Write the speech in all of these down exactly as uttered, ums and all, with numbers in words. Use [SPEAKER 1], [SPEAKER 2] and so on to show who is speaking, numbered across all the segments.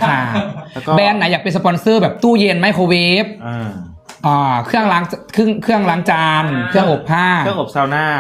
[SPEAKER 1] ค่ะแบรนด์ไหนอยากเป็นสปอนเซอร์แบบตู้เย็นไมโครเวฟ
[SPEAKER 2] อ่า
[SPEAKER 1] อ่าเครื่องล้างเครื่องเครื่องล้างจานเครื่องอบผ้า
[SPEAKER 2] เครื่องอบซาวน่า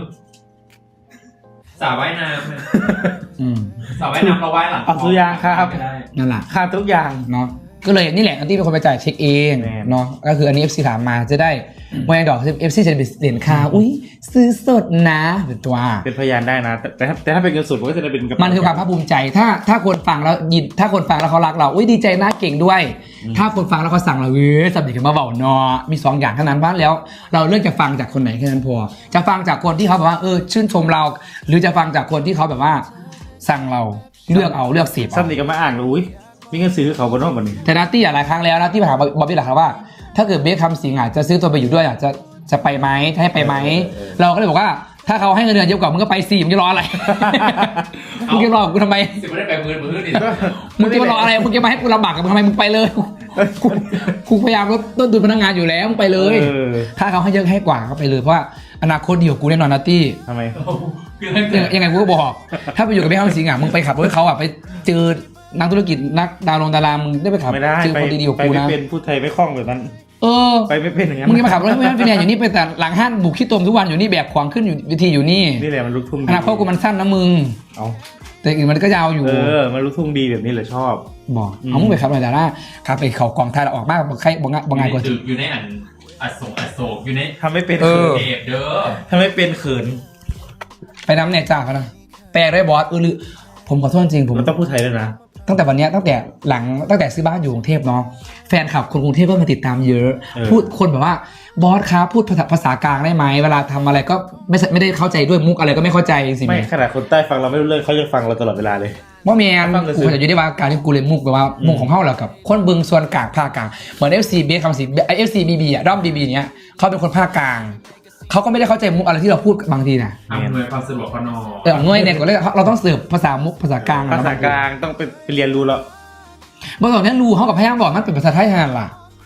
[SPEAKER 3] สระว่ายน้ำสระว่ายน้ำเราว่ายหลัง
[SPEAKER 2] เอาทุกอย่างครับ
[SPEAKER 1] นั่นแหละ
[SPEAKER 2] ค่าทุกอย่าง
[SPEAKER 1] เนาะก็เลยนี่แหละอันที่เป็นคนไปจ่ายเช็คเองเนาะก็คืออันนี้ เอฟ ซี ถามมาจะได้โมยังดอก เอฟ ซี จะเป็นเหรียญค่าอุ้ยซื้อสดนะเป็นตัว
[SPEAKER 2] เป็นพยานได้นะแต่ถ้าแต่ถ้าเป็นเงินสดก็จะได้เป็น
[SPEAKER 1] มันคือความภาคภูมิใจถ้าถ้าคนฟังแล้วยินถ้าคนฟังแล้วเขารักเราอุ้ยดีใจนะเก่งด้วยถ้าคนฟังแล้วเขาสั่งเราเว้ยสำเร็จกันมาเบาเนาะมีสองอย่างเท่านั้นบ้างแล้วเราเลือกจะฟังจากคนไหนแค่นั้นพอจะฟังจากคนที่เขาแบบว่าเออชื่นชมเราหรือจะฟังจากคนที่เขาแบบว่าสั่งเราเลือกเอาเลือกเสียบ
[SPEAKER 2] สำเร็จกันมาอ่านเลยอุ้ยมีเงินซื้อเขาบนนอกบันนี้
[SPEAKER 1] แต่นัตตี้หลายครั้งแล้วนัตตี้ถามบอบบี้หลายครั้งว่าถ้าเกิดเบคคำสิงห์จะซื้อตัวไปอยู่ด้วยจะจะไปไหมจะให้ไปไหมเราก็เลยบอกว่าถ้าเขาให้เงินเดือนเยอะกว่ามึงก็ไปสิมึงจะรออะไรมึงจะรอกูทำไม
[SPEAKER 3] สิไม่ได้ไปมือมือดิ
[SPEAKER 1] มึงจะมารออะไรมึงจะมาให้กูลำบากกับมึงทำไมมึงไปเลยกูพยายามลดต้นทุนพนักงานอยู่แล้วมึงไปเลยถ้าเขาให้เยอะให้กว่าก็ไปเลยเพราะว่าอนาคตเดียวกูแน่นอนนัตตี้
[SPEAKER 2] ทำไม
[SPEAKER 1] ยังไงกูก็บอกถ้าไปอยู่กับเบคคำสิงห์มึงไปขับรถเขาอ่ะไปเจอนักธุรกิจนักดาวลงดารามึงได้ไปขับ
[SPEAKER 2] เจอคนดีๆกูนะไปเป็นผู้ไทยไม่คล่องแบบนั้น
[SPEAKER 1] เออ
[SPEAKER 2] ไปไม่เป็นอย่างนั้น
[SPEAKER 1] มึงจะมาขับรถไม่เป็นอย่างนี้ไปแต่หลังห้างบุกขี้ตมทุกวันอยู่นี่แบบขวางขึ้นอยู่วิธีอยู่นี่
[SPEAKER 2] นี่แหละมันลุกทุ่ง
[SPEAKER 1] อนาคตกูมันสั้นนะมึง
[SPEAKER 2] เอา
[SPEAKER 1] แต่อื่นมันก็ยาวอยู่
[SPEAKER 2] เออมันลุกทุ่งดีแบบนี้เลยชอบ
[SPEAKER 1] บอกเอามึงไปขับอะไรแต่ละขับไปเขากองไทยเราออกมากบอกใครบอกงานบอกงานกว่า
[SPEAKER 3] อยู่ในอันอโศกอโศกอยู่ใน
[SPEAKER 2] ทำไม่เป็นเขิน
[SPEAKER 3] เด้อ
[SPEAKER 2] ทำไม่เป็นเขิน
[SPEAKER 1] ไปน้ำเนี่ยจ้าเขานะแปลได้บอสเออหรือผมขอโทษจริงผม
[SPEAKER 2] มันต้องพูดไทยด้วยนะ
[SPEAKER 1] ตั้งแต่วันนี้ตั้งแต่หลังตั้งแต่ซื้อบ้านอยู่กรุงเทพเนาะแฟนคลับคนกรุงเทพก็มาติดตามเยอะพูดคนแบบว่าบอสครับพูดภาษาภาษากลางได้ไหมเวลาทำอะไรก็ไม่ไม่ได้เข้าใจด้วยมุกอะไรก็ไม่เข้าใจสิ
[SPEAKER 2] ไม่ขนาดคนใต้ฟังเราไม่รู้เรื่องเขายังฟังเราตลอดเวลาเลย
[SPEAKER 1] ว่าแมนกูจะอยู่ได้ว่าการที่กูเรียนมุกแบบว่ามุกของเขาแหละกับคนบึงส่วนกลางภาคกลางเหมือน เอฟ ซี เบสคำสิไอ เอฟ ซี บี บี อ่ะด้อม บี บี เนี้ยเขาเป็นคนภาคกลางเขาก็ไม่ได้เข้าใจมุกอะไรที่เราพูดบางทีนะ
[SPEAKER 3] อำนวยความสะดวกพนอ
[SPEAKER 1] เออหน่วยเนี่ยก็เลยเราต้องเสิร์ฟภาษามุกภาษากลาง
[SPEAKER 2] ภาษากลางต้องไปเรียนรู้แล้ว
[SPEAKER 1] บางส่วนนั้นรู้เขากับพยางบอกมันเป็นภาษาไทยแทนล่ะ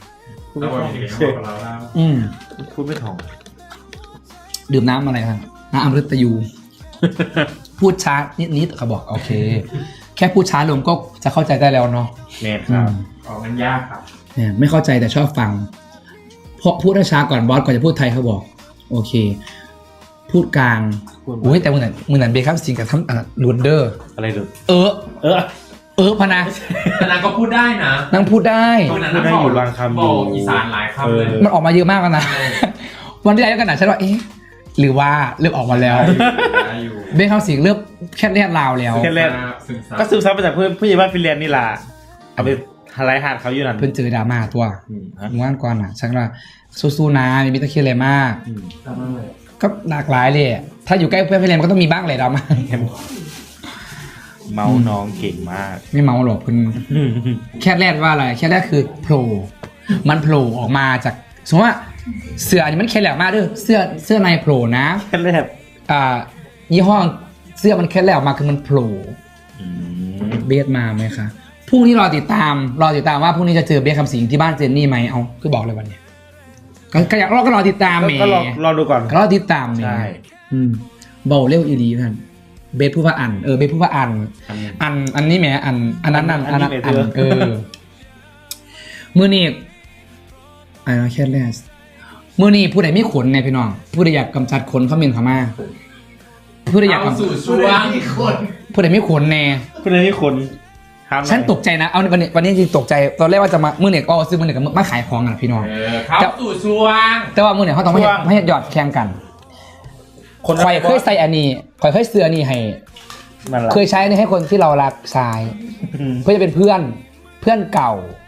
[SPEAKER 1] อืม
[SPEAKER 2] พูดไม่ถ่อง
[SPEAKER 1] ดื่มน้ำอะไรครับน้ำอมฤตยูพูดช้านิดๆเขาบอกโอเคแค่พูดช้าลงก็จะเข้าใจได้แล้วเนาะ
[SPEAKER 2] แน่ครับ
[SPEAKER 3] อ๋อมันยากครับ
[SPEAKER 1] เนี่ยไม่เข้าใจแต่ชอบฟังเพราะพูดช้าก่อนบอสก่อนจะพูดไทยเขาบอกโอเคพูดกลางโอ้ยแต่มึงนั่นมึงนั่นเบคับสิงกับทั้งลูนเดอร์
[SPEAKER 2] อะไรดู
[SPEAKER 1] เออ
[SPEAKER 2] เออ
[SPEAKER 1] เออพนะ
[SPEAKER 3] แต่นางก็พูดได้นะ
[SPEAKER 1] นางพูดได้
[SPEAKER 2] พูดได้อยู่บางคำ
[SPEAKER 3] อยู่อีสานหลายคำเลย
[SPEAKER 1] มันออกมาเยอะมากนะวันที่แล้วกันนะฉันว่าเอ๊ะหรือว่าเริ่มออกมาแล้วเบคับสิงเริ่มแค่เรียกลาวแล้ว
[SPEAKER 2] แค่เรียกก็ซึมซับมาจากเพื่อนผู้ใหญ่บ้านฟินแลนด์นี่ล่ะเอาไปไลฟ์หาดเขาอยู่นั่น
[SPEAKER 1] เพิ่นเจอดราม่าตัวงานก่อนอ่ะฉันว่าสู้ๆนะมีมิตรเคลียร์อะไรมากก็หลากหลายเลยถ้าอยู่ใกล้เพื่อนฟินแลนด์ก็ต้องมีบ้างแหละดราม่า
[SPEAKER 2] เมาน้องเก่งมาก
[SPEAKER 1] ไม่เมาหรอกเพิ่นแค่แรกว่าอะไรแค่แรกคือโผล่มันโผล่ออกมาจากสมมติว่าเสื้อนี่มันแค่แหลกมากด้วยเสื้อเสื้อในโผล่นะ
[SPEAKER 2] แค่แรก
[SPEAKER 1] อ่ายี่ห้อเสื้อมันแค่แหลกออกมาคือมันโผล่เบสมาไหมคะพรุ่งนี้รอติดตามรอติดตามว่าพรุ่งนี้จะเจอเบสคำสิงที่บ้านเจนนี่ไหมเอาคือบอกเลยวันนี้ก็อยากรอก็รอติดตามเมย์
[SPEAKER 2] ก็รอรอดูก่อน
[SPEAKER 1] รอติดตามเมย์ใช่เบาเร็วอีดีท่านเบสพูดว่าอันเออเบสพูดว่าอันอันอันนี้แหมอันอันนั้นอันอันนั้นอันเออมือนี่ไอ้เราแค่แรกมือนี่ผู้ใดไม่ขนเนี่ยพี่น้องผู้ใดอยากกำจัดขนเขาเมนเขามาผู้ใดอยาก
[SPEAKER 3] กำจัดช่วง
[SPEAKER 1] ผู้ใดไม่ขนแน่
[SPEAKER 2] ผู้ใดไม่ขน
[SPEAKER 1] ฉันตกใจนะเอาวันนี้วันนี้จริงตกใจตอนแรกว่าจะมามือเนี่ยก็ซื้อมือเนี่ยกับมาขายของกันพี่น้อง
[SPEAKER 3] เขาสู่ช่วง
[SPEAKER 1] แต่ว่ามือเนี่ยเขาต้องไม่ไม่หยอดแข่งกันคนคอยเคยใส่อันนี้คอยเคยซื้ออันนี้ให้เคยใช้นี่ให้คนที่เรารักใช้เพื่อจะเป็นเพื่อนเพื่อนเก่า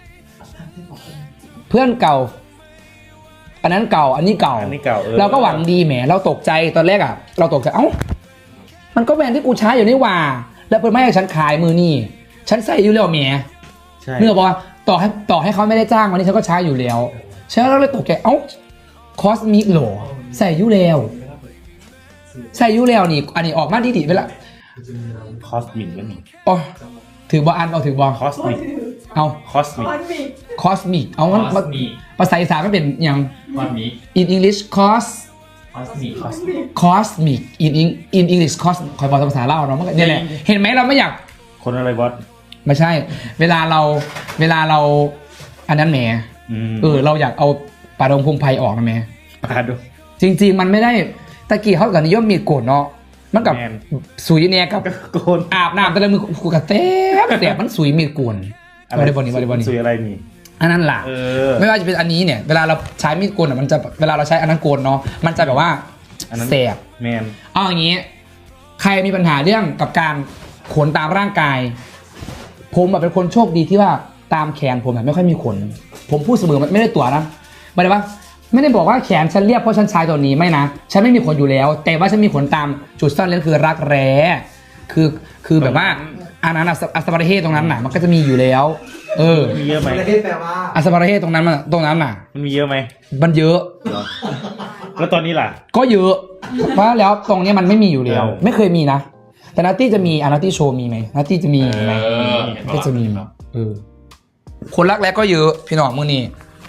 [SPEAKER 1] เพื่อนเก่าอันนั้นเก่าอันนี้เก่าเราก็หวังดีแหมเราตกใจตอนแรกอ่ะเราตกใจเอ้ามันก็แบรนด์ที่กูใช้อยู่นี่ว่าแล้วเพื่อนไม่ให้ฉันขายมือนี่ฉันใส่อยู่แล้วแหมเนื่อบอกว่าต่อให้ต่อให้เขาไม่ได้จ้างวันนี้ฉันก็ใช้อยู่แล้วฉันก็เลยตกใจเอ้าคอสมิกโหลใส่อยู่แล้วใส่ยูแล้วนี่อันนี้ออกมาดีๆไปละ
[SPEAKER 2] คอสมิกแล้วนี่
[SPEAKER 1] อ๋อถือบอลอันเอาถือบอล
[SPEAKER 2] คอสมิก
[SPEAKER 1] เอา
[SPEAKER 2] คอสมิก
[SPEAKER 1] คอสมิกเอามันภาษาอีสานก็เป็นอย่าง in English cos cosmic in in English cos คอยบอกภาษาเล่าเนาะมันนี่แหละเห็นไหมเราไม่อยาก
[SPEAKER 2] คนอะไรบอส
[SPEAKER 1] ไม่ใช่ เวลาเราเวลาเราอันนั้นแหม
[SPEAKER 2] อืม
[SPEAKER 1] เออเราอยากเอาปลาดงพงไพรออกนะแหม
[SPEAKER 2] ปาดู
[SPEAKER 1] จริง ๆ มันไม่ได้ตะกี้เขากับนิยมมีดโกนเนาะมันกับ
[SPEAKER 2] แมน
[SPEAKER 1] สุยเนี่ยกับ
[SPEAKER 2] โกน
[SPEAKER 1] อาบน้ำแต่ละมือกูกระเต๊บแต่มันสุยมีดโกนบริบทนี้บริบทนี้
[SPEAKER 2] สุยอะไรนี่
[SPEAKER 1] อันนั้นล่ะ
[SPEAKER 2] เออ
[SPEAKER 1] ไม่ว่าจะเป็นอันนี้เนี่ยเวลาเราใช้มีดโกนอ่ะมันจะเวลาเราใช้อันนั้นโกนเนาะมันจะแบบว่า
[SPEAKER 2] อันนั้น
[SPEAKER 1] แสบ
[SPEAKER 2] แมน
[SPEAKER 1] เอาอย่างนี้ ใครมีปัญหาเรื่องกับการขนตามร่างกาย ผมแบบเป็นคนโชคดีที่ว่าตามแขนผมแบบไม่ค่อยมีขน ผมพูดเสมอไม่ได้ตัวนะไม่ได้ว่าไม่ได้บอกว่าแขนฉันเรียบเพราะฉันใช้ตัวนี้ไม่นะฉันไม่มีขนอยู่แล้ว แต่ว่าฉันมีขนตามจุดซ่อนเร้นคือรักแร้คือคือแบบว่าอันนั้นอะอัสบาระเฮตรงนั้นน่ะมันก็จะมีอยู่แล้ว เออ
[SPEAKER 2] มีเยอะไหม
[SPEAKER 4] ประเทศแปลว่า
[SPEAKER 1] อัสบาระเฮตรงนั้นมันตรงนั้นน่ะ
[SPEAKER 2] มันมีเยอะไหม
[SPEAKER 1] มันเยอะ
[SPEAKER 2] แล้วตอนนี้ล่ะ
[SPEAKER 1] ก็เยอะเพราะแล้วตรงเนี้ยมันไม่มีอยู่แล้ว
[SPEAKER 2] เออ
[SPEAKER 1] ไม่เคยมีนะ แต่นัตตี้จะมีอานัตตี้โชว์มีไหมนัตตี้จะมีไหม
[SPEAKER 3] เออ
[SPEAKER 1] ก็จะมีเออคนรักแร้ก็เยอะพี่น้องมือนี่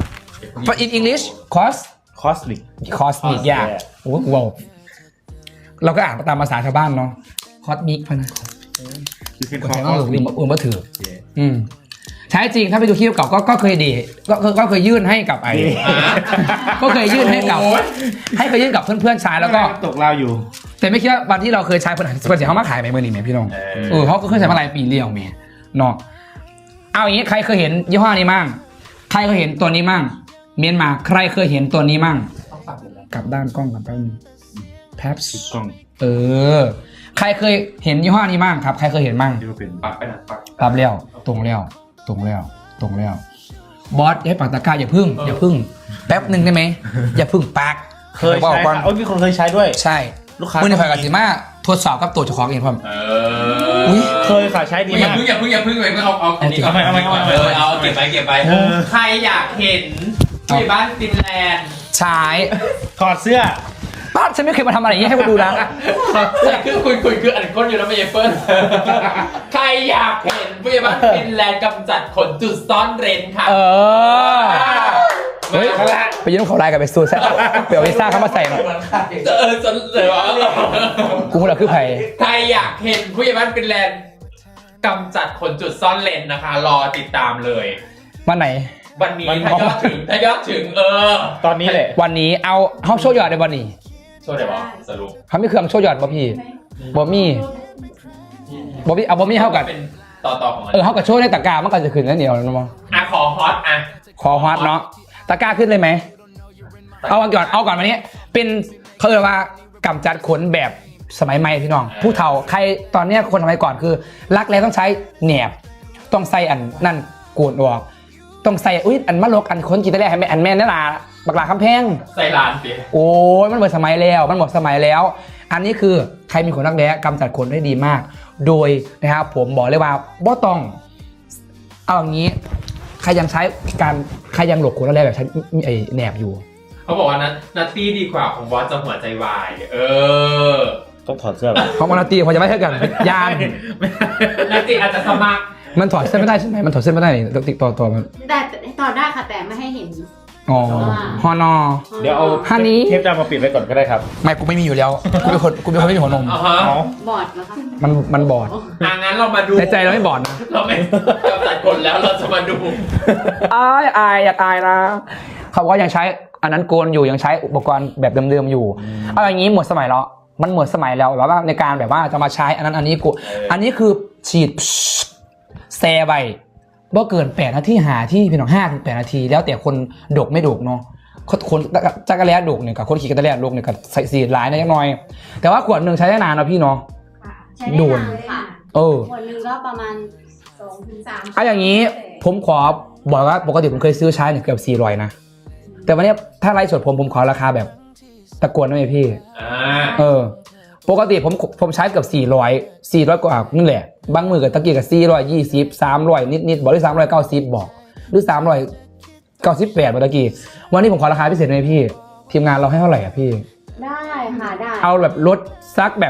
[SPEAKER 1] but in English cost
[SPEAKER 2] คอสลิก
[SPEAKER 1] cost มียากโอ้โหว้าวเราก็อ่านตามภาษาชาวบ้านเนาะ cost มิกพะนะ
[SPEAKER 2] ยูเคน
[SPEAKER 1] ก็
[SPEAKER 2] คอ
[SPEAKER 1] ใช้
[SPEAKER 2] ส
[SPEAKER 1] ว่า
[SPEAKER 2] ลิ
[SPEAKER 1] อื่
[SPEAKER 2] ก
[SPEAKER 1] นอื่นมาถืออืมใช้จริงถ้าไปดูคลิปเก่าก็ก็เคยดีก็ก็ก็เคยยื่นให้กับไอ้ ก็เคยยื่นให้กับให้เคยยื่นกับเพื่อนๆใช้แล้วก็
[SPEAKER 2] ตกลาวอยู่
[SPEAKER 1] แต่ไม่คิดว่าวันที่เราเคยใช้ผลิตภัณฑ์เขามาขายไหมเมื่อนี้ไหมพี่น้อง เออเขาก็เคยใช้มาหลายปีเรียวเมียเนาะเอาอย่างนี้ใครเคยเห็นยี่ห้อนี้มั่งใครเคยเห็นตัวนี้มั่งเมียนมาใครเคยเห็นตัวนี้มั่งกลับด้านกล้องกับแป๊บนึงแป๊บ
[SPEAKER 2] ติดกล้อง
[SPEAKER 1] เออ ใครเคยเห็นยี่ห้อนี้มั่งครับใครเคยเห็นมั่ง
[SPEAKER 2] ที่ว่าเป็น
[SPEAKER 3] ปักไปหนักปัก
[SPEAKER 1] รับแล้วตรงแล้วตรงแล้วตรงแล้วบอสอย่าให้ปากตะกร้าอย่าพึ่งอย่าพึ่งแป๊บหนึ่งได้ไหมอย่าพึ่งปาก
[SPEAKER 2] เคย
[SPEAKER 1] บอก
[SPEAKER 2] ใช้
[SPEAKER 1] ก่อน
[SPEAKER 2] ค่ะโอ้ยมีคนเคยใช้ด้วย
[SPEAKER 1] ใช่
[SPEAKER 2] ลูกค้า
[SPEAKER 1] มือในฝ่ายกับสิมาทดสอบกับตัวเจ้าของเองพร้อม
[SPEAKER 3] เอ
[SPEAKER 1] อุ๊ย
[SPEAKER 3] อ
[SPEAKER 2] เคยค่ะใช้ดี
[SPEAKER 3] อย่าม
[SPEAKER 2] าก
[SPEAKER 3] เพิ่งอย่าเพิ่งอย่าเพิ่งเลยเอาเอาอันนี้
[SPEAKER 2] เอาไปเอาไปเอาไป
[SPEAKER 3] เออเอาเก็บไปเก็บไป
[SPEAKER 2] เออ
[SPEAKER 3] ใครอยากเห็นผู้ใหญ่บ้านฟินแลนด์
[SPEAKER 1] ใช้
[SPEAKER 2] ถอดเสื้อ
[SPEAKER 1] ป้าฉันไม่เคยมาทำอะไรอย่างนี้ให้มาดูนะ
[SPEAKER 3] แต่คือคุณคุณคืออันก้นอยู่แล้วไม่ใช่เฟิร์นใครอยากเห็นผู้ใหญ่บ้านฟินแลนด์กำจัดขนจุดซ่อนเร้นค่ะ
[SPEAKER 1] เออ เฮ้ย ไปยืมเขาไลน์กับไปซูซ่าไปเอาลิซ่าเข้ามาใส่หน่อย
[SPEAKER 3] เออจะเลยวะ
[SPEAKER 1] กูมึงเหรอคือไผ่
[SPEAKER 3] ใครอยากเห็นผู้ใหญ่บ้านฟินแลนด์กำจัดขนจุดซ่อนเร้นนะคะ รอติดตามเลย
[SPEAKER 1] วันไหน
[SPEAKER 3] วันนี้ถ้ายอดถึงถ้ายอดถึงเออ
[SPEAKER 2] ตอนนี้แหละ
[SPEAKER 1] วันนี้เอาเขาโชว์ยอดในวันนี้
[SPEAKER 3] ช่วยได้ปะสรุป
[SPEAKER 1] เขาไม่เครื่องโชว์ยอดบ่พี่บ่มีบ่มีเอาบ่มีเท่ากัน
[SPEAKER 3] เป็นต่อต่อของมัน
[SPEAKER 1] เออเขากับโชว์ในตะกร้ามันก็จะขึ้นแล้วเหนียวนะมั้ง
[SPEAKER 3] อ่ะขอฮอตอ่ะ
[SPEAKER 1] ขอฮอตเนาะตะกร้าขึ้นเลยไหมเอาก่อนเอาก่อนวันนี้ เป็นเขาเรียกว่ากำจัดขนแบบสมัยใหม่พี่น้อง ผู้เฒ่าใครตอนเนี้ยคนสมัยก่อนคือ รักแล้วต้องใช้แหนบต้องใส่อันนั่นโกนออกต้องใส่อุ้ยอันมะลกอันคนกินได้แล้วให้แม่อันแม่นั่นล่ะบักหลาคำแพง
[SPEAKER 3] ใส่ร้านสิ
[SPEAKER 1] โอ้ยมันหมดสมัยแล้วมันหมดสมัยแล้ว อันนี้คือใครมีขนรักแร้กำจัดขนได้ดีมาก โดยนะครับผมบอกเลยว่าบ่ต้องเอาอย่างนี้ใครยังใช้การใครยังหลบขนรักแร้แบบใช้ไอ้แหนบอยู่
[SPEAKER 3] เขาบอกว่านัทนัตตี้ดีกว่าของบอสจะหัวใจวาย เออ
[SPEAKER 2] ต้องถอดเสื้อเหรอ
[SPEAKER 1] เพราะมันตีพอจะไม่เท่ากันยาน
[SPEAKER 3] นัตตี้อาจจะสมัคร
[SPEAKER 1] มันถอดเส้นไม่ได้ใช่ไหมมันถอดเส้นไม่ได้นี่ติดต่อต่อมัน
[SPEAKER 5] แต่ต่อได้ค่ะแต่ไม่ให้เห็น
[SPEAKER 1] อ๋อฮอนอ
[SPEAKER 2] เดี๋ยวเอา
[SPEAKER 1] ฮันนี่
[SPEAKER 2] เทปดำมาปิดไว้ก่อนก็ได้ครับ
[SPEAKER 1] ไม่กูไม่มีอยู่แล้วกูเป็นคนกูเป็นคนไม่มีหัวนม
[SPEAKER 3] อ่าฮะ
[SPEAKER 2] เอา
[SPEAKER 5] บอดแล้วค่ะ
[SPEAKER 1] มันมันบอด
[SPEAKER 3] อ่ะงั้นเรามาดู
[SPEAKER 1] ในใจเราไม่บอดนะ
[SPEAKER 3] เราไม่กำจัดขนแล้วเราจะมาดู
[SPEAKER 1] อายอายอยากอายนะเขาบอกว่ายังใช้อันนั้นโกนอยู่ยังใช้อุปกรณ์แบบเดิมๆอยู่เอาอย่างนี้หมดสมัยแล้วมันหมดสมัยแล้วแบบว่าในการแบบว่าจะมาใช้อันนั้นอันนี้กูอันนี้คือฉีดแซไปบ่เกินแปดนาทีหาที่พี่น้องห้าถึงแปดนาที แล้วแต่คนดกไม่ดกเนาะคนจักรแล้ดกเนี่ยกับคนขี่จักรแล้ดกเนี่ยกับใส่สีหลายนะยังน้อย แต่ว่าขวดหนึ่งใช้ได้นานนะพี่เนาะ
[SPEAKER 5] ใช้ได้
[SPEAKER 1] โดน
[SPEAKER 5] นานค่ะ
[SPEAKER 1] เออ
[SPEAKER 5] ขวดหนึงก็ประมาณสองถึงสาม
[SPEAKER 1] เอาอย่างนี้ผมขอบอกว่าปกติผมเคยซื้อใช้เนี่ยเกือบสี่ร้อยนะแต่วันนี้ถ้าไลฟ์สดผมผมขอราคาแบบตะโกนได้ไหมพี่
[SPEAKER 3] อ่า
[SPEAKER 1] เออ ปกติผมผมใช้เกือบสี่ร้อย สี่ร้อยกว่านี่แหละบางมือกับตะกี้กับสี่ร้อยยี่สิบ สามร้อยนิดๆบอกหรือสามร้อยเก้าสิบบอกหรือสามร้อยเก้าสิบแปดเมื่อกี้วันนี้ผมขอราคาพิเศษไหมพี่ ทีมงานเราให้เท่าไหร่อ่ะพี่
[SPEAKER 5] ได้ค่ะได้
[SPEAKER 1] เอาแบบลดซักแบบ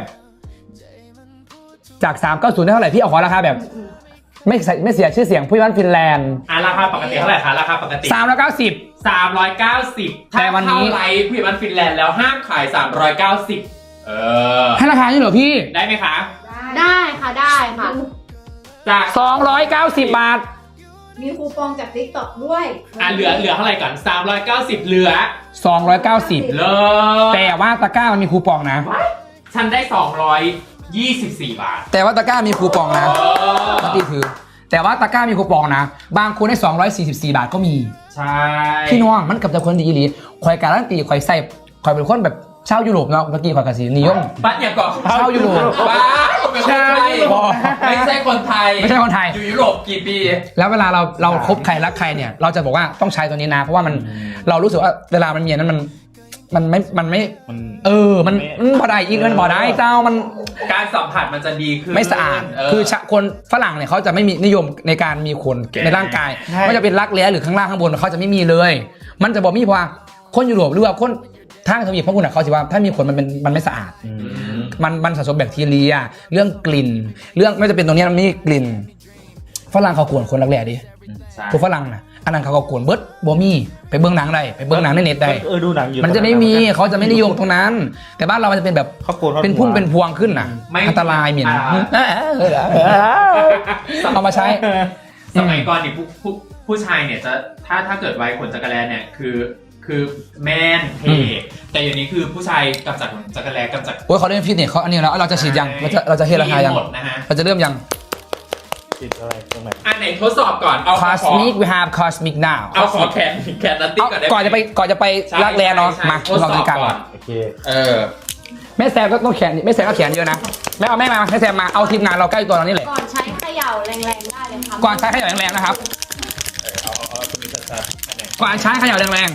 [SPEAKER 1] จากสามเก้าศูนย์ได้เท่าไหร่พี่เอาขอราคาแบบ ไม่ใส่ไม่เสียชื่อเสียงผู้บ้านฟินแลนด์
[SPEAKER 3] อ่ะราคาปกติเท่าไหร่คะราคาปกติ
[SPEAKER 1] สามร้อยเก้าสิบ
[SPEAKER 3] สามร้อยเก้าสิบ
[SPEAKER 1] แต่วันนี้
[SPEAKER 3] ถ้าเข้าไลฟ์ผู้ใหญ่บ้านฟินแลนด์แล้วห้ามขายสามร้อยเก้าสิบเออ
[SPEAKER 1] ให้ราคานี้เหรอพี่
[SPEAKER 3] ได้ไหมคะ
[SPEAKER 5] ได้ค่ะได้ค่ะ
[SPEAKER 3] จาก
[SPEAKER 1] สองร้อยเก้าสิบบาท
[SPEAKER 5] มีคูปองจาก ติ๊กต็อก ด้วย
[SPEAKER 3] อ่ะเหลือเหลือเท่าไหร่ก่อนสามร้อยเก้าสิบเหลือ
[SPEAKER 1] สองร้อยเก้าสิบ
[SPEAKER 3] เลิศ
[SPEAKER 1] แต่ว่าตะกร้ามันมีคูปองนะ
[SPEAKER 3] ฉันได้สองร้อยยี่สิบสี่บาท
[SPEAKER 1] แต่ว่าตะกร้ามีคูปองนะ
[SPEAKER 3] เออ
[SPEAKER 1] ปกติถือ แต่ว่าตะกร้ามีคูปองนะ บางคนได้สองร้อยสี่สิบสี่บาทก็มี
[SPEAKER 3] ใช่
[SPEAKER 1] พี่น้องมันกับจะคนดีอีหลีคอยการันตีคอยใส่คอยเป็นคนแบบชาวยุโรปเนาะเมื่อกี้คอยกับสีนิยม
[SPEAKER 3] บ้านอย่าก่อน
[SPEAKER 1] ชาวยุโรป
[SPEAKER 3] บ้าเป็นคนไทยไม่ใช่คนไทย
[SPEAKER 1] ไม่ใช่คนไทย
[SPEAKER 3] อยู่ยุโรปกี่ปี
[SPEAKER 1] แล้วเวลาเราเราคบใครรักใครเนี่ย เราจะบอกว่าต้องใช้ตัวนี้นะ เพราะว่ามันเรารู้สึกว่าเวลามันมีอันนั้นมันมันไม่มันไม่
[SPEAKER 2] มัน
[SPEAKER 1] เออมันมันบ่ได้อีกมันบ่ได้เจ้ามัน
[SPEAKER 3] การสัมผัสมันจะดีขึ้น
[SPEAKER 1] ไม่สะอาด
[SPEAKER 3] เ
[SPEAKER 1] คือชะคนฝรั่งเนี่ยเขาจะไม่มีนิยมในการมีขนในร่างกายไม่ว่าจะเป็นรักแร้หรือข้างล่างข้างบนเขาจะไม่มีเลย มันจะบอกมีเพราะว่าคนยุโรปหรือว่าคนทางทวีปพวกคุณเขาจะว่าถ้ามีขนมันเป็นมันไม่สะอาด
[SPEAKER 2] อืม
[SPEAKER 1] มันมันสะสมแบคทีเรีย เรื่องกลิ่น เรื่องไม่จะเป็นตรงนี้มันมีกลิ่นฝรั่งเขากวนคนรักแร้ดิ
[SPEAKER 3] ใช่
[SPEAKER 1] พวกฝรั่งนะอันนั้นเขาก็กวนเบิร์ดบอมี่ไปเบื้องหนังได้ไปเบื้องหนังในเน็ตได้
[SPEAKER 2] เออดูหนังอยู่
[SPEAKER 1] มันจะไม่มีเขาจะไม่นิยมตรงนั้น แต่บ้านเรามันจะเป็นแบบ
[SPEAKER 2] เขาโกนขา
[SPEAKER 1] เป็นพุ่มเป็นพวงขึ้นน่ะ
[SPEAKER 3] ไม่
[SPEAKER 1] อันตรายเหม็น
[SPEAKER 3] อ่า
[SPEAKER 1] เอามาใช้
[SPEAKER 3] สมัยก่อนนี่ผู้ผู้ผู้ชายเนี่ยจะถ้าถ้าเกิดไว้ขนจักรแลเนี่ยคือคือแมนเท่แต่อย่างนี้คือผู้ชายกำจัดขนจักรแลกำจัด
[SPEAKER 1] โอ้ยเขาเล่นฟิตเนสเขาอันนี้แล้วเราจะฉีดยังเราจะเราจะเฮราคายัง
[SPEAKER 3] หมดนะฮะ
[SPEAKER 1] เราจะเริ่มยัง
[SPEAKER 2] ติดอะไรตรงไหน
[SPEAKER 3] อันไหนทดสอบก่อนเอาขอ
[SPEAKER 1] cosmic we have cosmic now
[SPEAKER 3] เอาขอแขนแขนนัตตี้
[SPEAKER 1] เอา
[SPEAKER 3] ก่อนได้ไหม
[SPEAKER 1] ก่อนจะไปก่อนจะไป
[SPEAKER 3] ใช่
[SPEAKER 1] รักแร้เนาะ
[SPEAKER 3] ใช่
[SPEAKER 1] มา
[SPEAKER 3] ทดส
[SPEAKER 1] เรา
[SPEAKER 3] อบ
[SPEAKER 1] ดูกัน
[SPEAKER 3] ก่อน
[SPEAKER 2] โอเค
[SPEAKER 3] เออ
[SPEAKER 1] แม่แซมก็ต้องแขนแม่แซมก็แขนเยอะนะแม่เอาแม่มาแม่แซมมาเอาทีมงานเราใกล้ตัวเรานี่แหละ
[SPEAKER 5] ก่อนใช้เขย่าแรงๆได้เลยค่ะ
[SPEAKER 1] ก่อนใช้เขย่าแรงๆนะครับ
[SPEAKER 2] เอาเอาเอาตัวนี้ชัดๆอันไหน
[SPEAKER 1] ก่อนใช้เขย่าแรง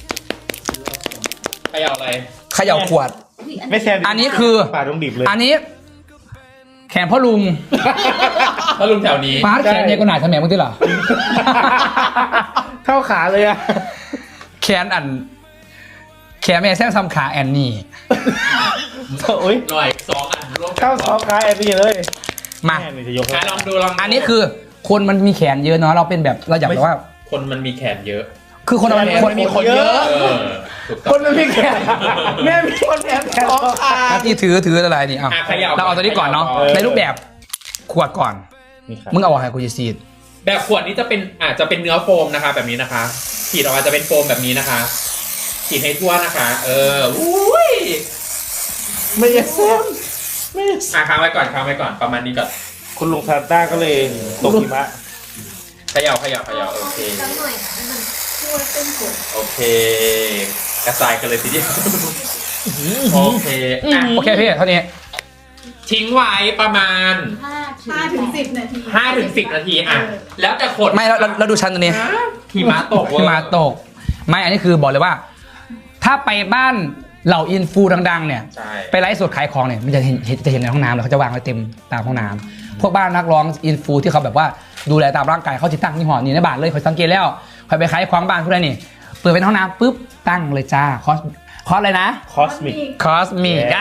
[SPEAKER 3] ใครเอาอะไร
[SPEAKER 1] ๆเขย่าขวด
[SPEAKER 2] ไม่แซม
[SPEAKER 1] อันนี้คือ
[SPEAKER 2] ป่าดงดิบเลย
[SPEAKER 1] อันนี้ แขนพ่อลุง
[SPEAKER 3] ถ้าลุงแถวนี้
[SPEAKER 1] ฟาดแขนเนี่ยก็หนาทำแม่มึงที่เหรอ
[SPEAKER 2] เท่าขาเลยอะ
[SPEAKER 1] แขนอัน แขนแม่แซมซ้ำขาแอนนี่
[SPEAKER 2] โอ้ย
[SPEAKER 3] หน่อยสองอันร่วมกั
[SPEAKER 2] เท่าสองขาแอนนี่เลย
[SPEAKER 1] มา
[SPEAKER 2] แม่นี่จะยกให้
[SPEAKER 3] อ่ะลองดูลองดู
[SPEAKER 1] อันนี้คือคนมันมีแขนเยอะเนาะเราเป็นแบบเราอยากแบบว่า
[SPEAKER 3] คนมันมีแขนเยอะ
[SPEAKER 1] คือคนเรา
[SPEAKER 2] แขน
[SPEAKER 1] คน
[SPEAKER 2] มีคนเยอะ
[SPEAKER 3] เออถูกต้
[SPEAKER 2] ค
[SPEAKER 3] อง
[SPEAKER 2] นมันมีแขนแม่มีคนแขนแขนสองขา
[SPEAKER 1] หน้าที่ถือถืออะไรนี่เอา
[SPEAKER 3] อ่ะขยับ
[SPEAKER 1] เราเอาตัวนี้ก่อนเนาะ
[SPEAKER 3] เออ
[SPEAKER 1] ในรูปแบบขวดก่อน
[SPEAKER 2] นี่ครับ
[SPEAKER 1] มึงเอาอะไรกูจะซีด
[SPEAKER 3] แบบขวดนี้จะเป็นอาจจะเป็นเนื้อโฟมนะคะ แบบนี้นะคะขีดออกมาจะเป็นโฟมแบบนี้นะคะขีดให้ทั่วนะคะ เอออุ้ย
[SPEAKER 2] ไม่อยากแซมไม่อยาก
[SPEAKER 3] อ่ะค้างไว้ก่อนค้างไว้ก่อนประมาณนี้ก่อน
[SPEAKER 2] คุณลุงซานต้าก็เลยตกหิมะ
[SPEAKER 3] เขย่าเขย่าเขย่าโอเค
[SPEAKER 5] สักหน่อยให้มันช่วยเป็นกด
[SPEAKER 3] โอเค กระจายกันเลยทีเดียวโอเคอ่ะ
[SPEAKER 1] โอเคพี่เท่านี้
[SPEAKER 3] ทิ้งไว้ประมาณ
[SPEAKER 5] ห้า
[SPEAKER 4] ห้าถึงสิบนาที
[SPEAKER 3] ห้าถึงสิบนาทีอ่ะแล้วแต่ขด
[SPEAKER 1] ไม่เราเราเราดูชั้นตัวนี้
[SPEAKER 3] หิมะตกเว้ย
[SPEAKER 1] ที่มาตก ไม่อันนี้คือบอกเลยว่า ถ้าไปบ้านเหล่าอินฟูดังๆเนี่ย
[SPEAKER 3] ใช่
[SPEAKER 1] ไปไลฟ์สดขายของเนี่ยมันจะเห็นเห็นจะเห็นในห้องน้ำแล้วเขาจะวางไว้เต็มตามห้องน้ำพวกบ้านนักร้องอินฟูที่เขาแบบว่าดูแลตามร่างกายเขาจะตั้งที่หอนี่ในบ้านเลยคอยสังเกตแล้วคอยไปขายของบ้านพวกนั้นนี่เปิดเป็นห้องน้ำปุ๊บตั้งเลยจ้าคอสคอสอะไรนะ
[SPEAKER 2] คอสมิก
[SPEAKER 1] คอสมิก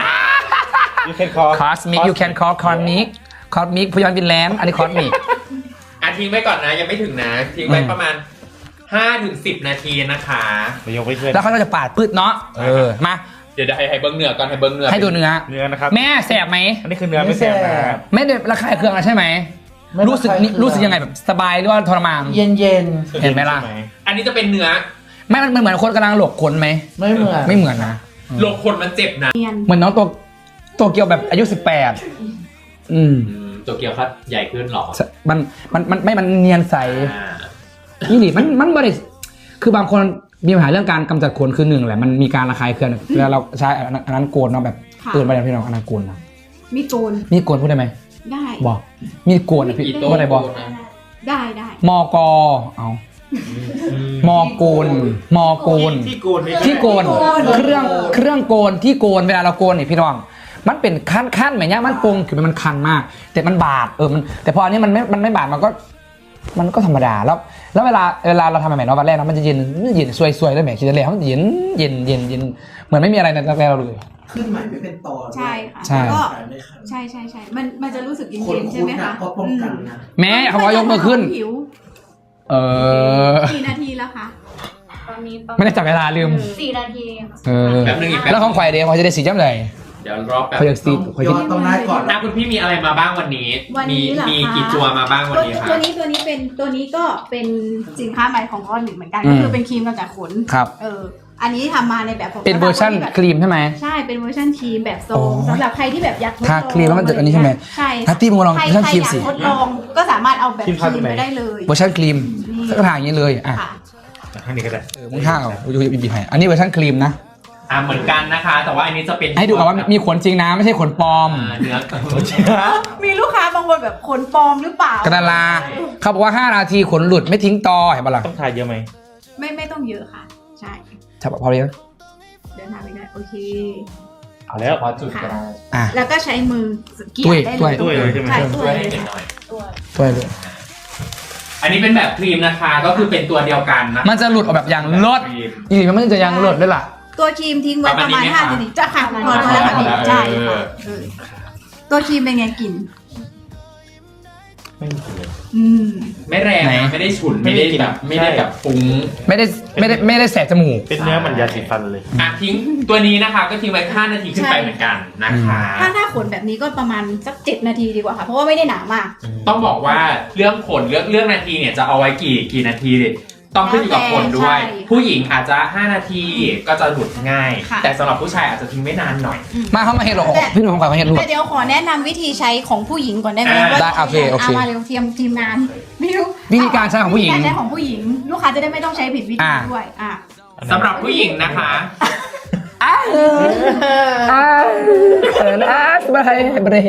[SPEAKER 2] you can call
[SPEAKER 1] คอสมิก you can call คอสมิกคอสมิกพยอนวินแลนด์อันนี้คอสมิก
[SPEAKER 3] อ่ะทิ้งไว้ก่อนนะยังไม่ถึงนะทิ้งไว้
[SPEAKER 1] อืม
[SPEAKER 3] ประมาณห้าถึงสิบนาทีนะคะ
[SPEAKER 2] ไปยกไปเพื่อน
[SPEAKER 1] แล้วเขาก็จะปาดปืดเนาะเออมา
[SPEAKER 3] เดี๋ยวให้ให้เบิ้งเนื้อก่อนให้เบิ้งเนื้อ
[SPEAKER 1] ให้ดูเนื้อ
[SPEAKER 2] เนื้อนะครับ
[SPEAKER 1] แม่แสบไหม
[SPEAKER 2] อันนี้คือเนื้อไม่แซมนะ
[SPEAKER 1] ไม่ได้ระคายเคืองอะไรใช่ไหมรู้สึกนี่รู้สึกยังไงแบบสบายหรือว่าทรมาน
[SPEAKER 6] เย็นเย็น
[SPEAKER 1] เห็นไหมล่ะ
[SPEAKER 3] อันนี้จะเป็นเนื้อ
[SPEAKER 1] ไม่มันมันเหมือนคนกำลังหลบขนไหม
[SPEAKER 6] ๆไม่เหมือน
[SPEAKER 1] ไม่เหมือนนะ
[SPEAKER 3] โลกคนมันเจ็บนะ
[SPEAKER 5] เนียน
[SPEAKER 1] เหมือนน้องตัวตัวเกียวแบบอายุสิบแปดอืม
[SPEAKER 3] อืมตัวเกียวครับใหญ่ขึ้นหรอ
[SPEAKER 1] มันมันมันไม่มันเนียนใส
[SPEAKER 3] อ่า
[SPEAKER 1] นี่หลิมันมันบริคือบางคนมีปัญหาเรื่องการกำจัดขนคือหนึ่งแหละมันมีการระคายเคืองเวลาเราใช้อันนั้นอันนั้นโกนเนาะแบบเกินไปแล้วพี่น้องอันนั้นโกนนะ
[SPEAKER 5] มีโกน
[SPEAKER 1] มีโกนพูดได้ไหม
[SPEAKER 5] ได้
[SPEAKER 1] บอกมีโกนอ่ะพี่
[SPEAKER 3] อีโต้
[SPEAKER 1] ว่าอะไรบอก
[SPEAKER 5] ได้ได้
[SPEAKER 1] มอกอเอามอโกนมอโกน
[SPEAKER 2] ที่โกนไม่
[SPEAKER 1] ที่โกนเครื่องเครื่องโกนที่โกนเวลาเราโกนเนี่ยพี่น้อง มันเป็นขั้นขั้นแบบเนี้ยมันปรุงคือมันคันมาก แต่มันบาดเออมันแต่พออันนี้มันไม่มันไม่บาดมันก็ มันก็ธรรมดาแล้ว แล้วเวลาเวลาเราทำใหม่ๆเนาะวันแรกเนาะมันจะเย็นเย็นซวยๆด้วยแหมคิดจะเลยเขาเย็นเย็นเย็นเย็นเหมือนไม่มีอะไรในแรกๆเราเลย
[SPEAKER 6] ขึ้นใหม่ไม่เป็นตอน
[SPEAKER 5] ใช่ค่ะ
[SPEAKER 1] ใช่
[SPEAKER 5] แล้วก็
[SPEAKER 6] ขายไม่คัน
[SPEAKER 5] ใช่ใช่ใช่มันมันจะรู้สึกเย็
[SPEAKER 6] คน
[SPEAKER 5] นๆใช่
[SPEAKER 6] คุ้น
[SPEAKER 5] ไหม
[SPEAKER 6] นะคะ เพราะป้องกันนะ
[SPEAKER 1] แม้เขาบอกยกมือขึ้น
[SPEAKER 5] ผิว
[SPEAKER 1] เออ
[SPEAKER 5] กี่นาทีแล้วคะ
[SPEAKER 4] ตอนนี้ประ
[SPEAKER 1] ไม่ได้จับเวลาลืม
[SPEAKER 4] สี่นาทีค่ะ
[SPEAKER 1] เออ
[SPEAKER 3] แป๊บนึงอีกแป๊บ
[SPEAKER 1] แล้วของไข่เดียวพอจะได้สีจ้ำเลย
[SPEAKER 5] ป
[SPEAKER 3] เดี๋ยวรอบแบบ
[SPEAKER 1] เขาอยากซีดเขาอยาก
[SPEAKER 6] ย้อนตรงหน้าก่อน
[SPEAKER 3] อ่ะคุณพี่มีอะไรมาบ้างวันนี้
[SPEAKER 5] วัน
[SPEAKER 3] มี
[SPEAKER 5] นี้เหรอ
[SPEAKER 3] มี
[SPEAKER 5] คะ
[SPEAKER 3] กี่ตัวมาบ้างวัน
[SPEAKER 5] ตัว
[SPEAKER 3] นี้คะ
[SPEAKER 5] ตัวนี้ตัวนี้เป็นตัวนี้ก็เป็นสินค้าใหม่ของก้อนหนึ่งเหมือนกัน
[SPEAKER 1] อืม
[SPEAKER 5] ก็คือเป็นครีมกำจัดขน
[SPEAKER 1] ครับ
[SPEAKER 5] เอออันนี้ทำมาในแบบของ
[SPEAKER 1] เป็นเวอร์ชัน
[SPEAKER 5] สำหบน
[SPEAKER 1] ครีมใช่ไหม
[SPEAKER 5] ใช่เป็นเวอร์ชันครีมแบบโซ
[SPEAKER 1] อ๋อ
[SPEAKER 5] มสำหรับใครที่แบบอยากทดล
[SPEAKER 1] ทา
[SPEAKER 5] อง
[SPEAKER 1] ครีมแล้วมันจะอันนี้ใช่ไหม
[SPEAKER 5] ใช่
[SPEAKER 1] นัตตี้มึงลอง
[SPEAKER 5] ใคร
[SPEAKER 1] เวอร์ชัน
[SPEAKER 5] ใคร
[SPEAKER 1] ครีม
[SPEAKER 5] อยาก
[SPEAKER 1] สิ
[SPEAKER 5] ทดลองก็สามารถเอาแบบ
[SPEAKER 2] ครีม
[SPEAKER 5] ค
[SPEAKER 2] ทา
[SPEAKER 5] รี
[SPEAKER 2] ตรง
[SPEAKER 5] ม
[SPEAKER 2] ไหน
[SPEAKER 5] ไปได้เลย
[SPEAKER 1] เวอร์ชันครีม
[SPEAKER 5] นี่
[SPEAKER 1] ก็ทาอย่างนี้เลยอ่ะ
[SPEAKER 5] ค่ะ
[SPEAKER 2] ข้างนี้ก็ได้
[SPEAKER 1] เออมึงท่าเอาดูบีบีให้อันนี้เวอร์ชันครีมนะ
[SPEAKER 3] อ่ะเหมือนกันนะคะ แต่ว่าอันนี้จะเป็น
[SPEAKER 1] ให้ดูก่อนว่ามีขนจริงนะไม่ใช่ขนปลอม
[SPEAKER 3] อ่าเนื้อ
[SPEAKER 5] มีลูกค้าบางคนแบบขนปลอมหรือเปล่าก
[SPEAKER 1] ระลาเขาบอกว่าห้านาทีขนหลุดไม่ทิ้งตอเห็นปะล่ะ
[SPEAKER 2] ต้องทายเยอะไหม
[SPEAKER 5] ไม่ไม่ต้องเยอะค่ะ ใช่
[SPEAKER 1] ใช่ปะพอเลยง
[SPEAKER 5] เดินทางไปได้โอเค
[SPEAKER 2] เอาแล้ว
[SPEAKER 3] พอจุดก็ได้
[SPEAKER 1] อ่ะ
[SPEAKER 5] แล้วก็ใช้มือเกี่
[SPEAKER 1] ตุ้ย
[SPEAKER 5] ได้
[SPEAKER 1] ตุ้
[SPEAKER 5] เลย ย
[SPEAKER 2] ตุ้ยเลยใช่ไหม
[SPEAKER 5] ใช่
[SPEAKER 3] ช่
[SPEAKER 5] ตุ้
[SPEAKER 3] วย
[SPEAKER 5] ย
[SPEAKER 3] ให้
[SPEAKER 5] เลย
[SPEAKER 3] เห็นห
[SPEAKER 5] ค่ะ
[SPEAKER 3] น่อย
[SPEAKER 5] ตุ้ย
[SPEAKER 1] ช่วยเลย
[SPEAKER 3] อันนี้เป็นแบบครีมนะคะ ก็คือเป็นตัวเดียวกันนะ
[SPEAKER 1] มันจะหลุดออกแบบอย่างลด
[SPEAKER 3] ครีม
[SPEAKER 1] อีกมันไม่จะยังหลุดด้วยล่ะ
[SPEAKER 5] ตัวครีมทิ้งไว้ประมาณ
[SPEAKER 3] ประมาณนี้ไหม
[SPEAKER 5] ห้า
[SPEAKER 3] คะ
[SPEAKER 5] นาทีจะค่ะพอ
[SPEAKER 3] พอ
[SPEAKER 5] แล้วค่ะ
[SPEAKER 3] พอแล้ว
[SPEAKER 5] ใช่
[SPEAKER 3] เอ
[SPEAKER 5] ค่ะ
[SPEAKER 3] อ
[SPEAKER 5] เออตัวครีมเป็นไงกลิ่น
[SPEAKER 2] ไม่มีกลิ่นเลย
[SPEAKER 5] อืม
[SPEAKER 3] ไม่แรง
[SPEAKER 1] ไหน
[SPEAKER 3] นะไม่ได้ฉุน
[SPEAKER 2] ไม่
[SPEAKER 3] ไม่
[SPEAKER 2] ได้
[SPEAKER 3] ได้
[SPEAKER 2] กลิ่น
[SPEAKER 3] แบบไม่ได้
[SPEAKER 2] ใช่
[SPEAKER 3] แบบฟุ้ง
[SPEAKER 1] ไม่ได้ไม่ได้ไม่ได้แสบจมูก
[SPEAKER 2] เป็นเนื้อเหมือนยาสีฟันเลย
[SPEAKER 3] อ่ะทิ้งตัวนี้นะคะ ก็ทิ้งไว้ห้านาทีขึ้นไปเหมือนกันนะคะ
[SPEAKER 5] ถ้าถ้าขนแบบนี้ก็ประมาณสักเจ็ดนาทีดีกว่าค่ะ เพราะว่าไม่ได้หนามาก
[SPEAKER 3] ต้องบอกว่าเรื่องขนเรื่องเรื่องนาทีเนี่ยจะเอาไว้กี่กี่นาทีดิต้องขึ้นอยู่กับคนด้วย
[SPEAKER 5] ใช่
[SPEAKER 3] ผู้หญิงอาจจะห้านาทีก็จะหลุดง่าย
[SPEAKER 5] ค่ะ
[SPEAKER 3] แต่สำหรับผู้ชายอาจจะทิ้งไม่นานหน่อย
[SPEAKER 1] มาเข้ามาเห็นหรอพี่หนุ่มของขวัญเขาเห็นหลุด
[SPEAKER 5] แต่เดี๋ยวขอแนะนำวิธีใช้ของผู้หญิงก่อนได้ไหม
[SPEAKER 3] อ่า
[SPEAKER 5] ว่า
[SPEAKER 1] ได้โอเคโอเค
[SPEAKER 5] ามาเร็วทีมทีมงานไม่รู้
[SPEAKER 1] วิธีการใช้ของผู้หญิง
[SPEAKER 5] วิธีการใช้ของผู้หญิง ลูกค้าจะได้ไม่ต้องใช้ผิดวิธี
[SPEAKER 1] อ่า
[SPEAKER 5] ด้วยอ่ะ
[SPEAKER 3] สำหรับผู้หญิงนะคะ
[SPEAKER 1] อ้าวอ้าวเขินอ้าวบรเบร